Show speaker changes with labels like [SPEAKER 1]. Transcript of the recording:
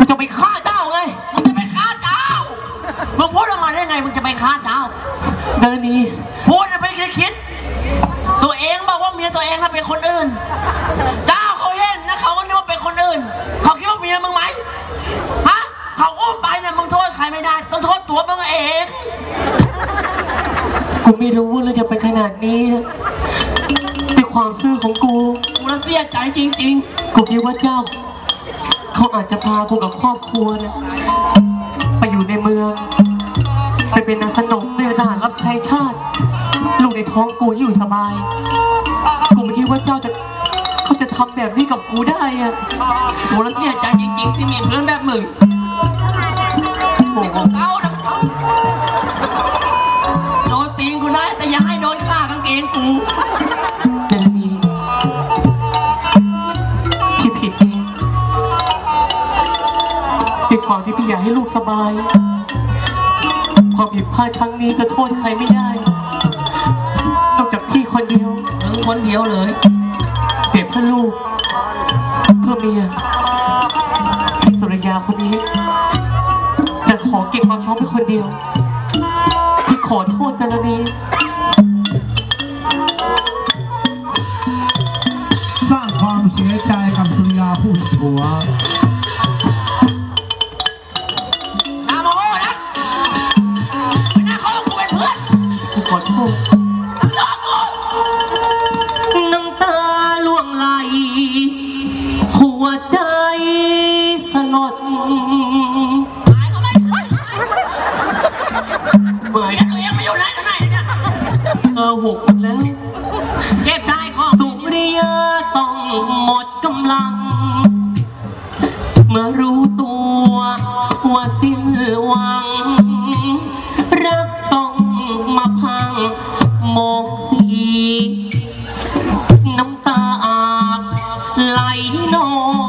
[SPEAKER 1] จะไปฆ่าเจ้าไงมึงจะไปฆ่าเจ้ามึงพูดออกมาได้ไงมึงจะไปฆ่าเจ้าดารณีพูดไปคิดตัวเองบอกว่าเมียตัวเองน่ะเป็นคนอื่นเจ้าเขาเห็นนะเขาก็นึกว่าเป็นคนอื่นเขาคิดว่าเมียมึงไหมฮะเขาอุ้มไปเนี่ยมึงโทษใครไม่ได้ต้องโทษตัวมึงเองกูไม่รู้ว่าจะเป็นขนาดนี้ด้วยความซื่อของกูแล้วเสียใจจริงๆกูคิดว่าเจ้าเขาอาจจะพากูกับครอบครัวเนี่ยไปอยู่ในเมืองไปเป็นนายสนมเป็นทหารรับใช้ชาติลูกในท้องกูอยู่สบายกูไม่คิดว่าเจ้าเขาจะทำแบบนี้กับกูได้อะโหแล้วเสียใจจริงๆที่มีเพื่อนแบบมึงโอ้โหเก้านะโดนตีนกูได้แต่อย่าให้โดนฆ่ากางเกงกูเจรนีพี่ผิดเองด้วยความที่พี่อยากให้ลูกสบายความผิดพลาดครั้งนี้ก็โทษใครไม่ได้นอกจากพี่คนเดียวคนเดียวเลยเก็บเพื่อลูกเพื่อเมียพี่สุริยาคนนี้จะขอเก็บความชอบเป็นคนเดียวพี่ขอโทษแต่ละนี้
[SPEAKER 2] สร้างความเสียใจกับสุริยาผู้ผัว
[SPEAKER 1] นาโมนะไม่น่าเขากูเป็นเพื่อนกูขอโทษน้ำตาล่วงไหลหัวใจสลดตัวเองไม่อยู่ไหนกันไหนเนี่ยหกแล้วเก็บได้ก็สุริยาต้องหมดกำลังเมื่อรู้ตัวว่าสิ้นหวังรักต้องมาพังมองสีน้ำตาอาบไหลนอง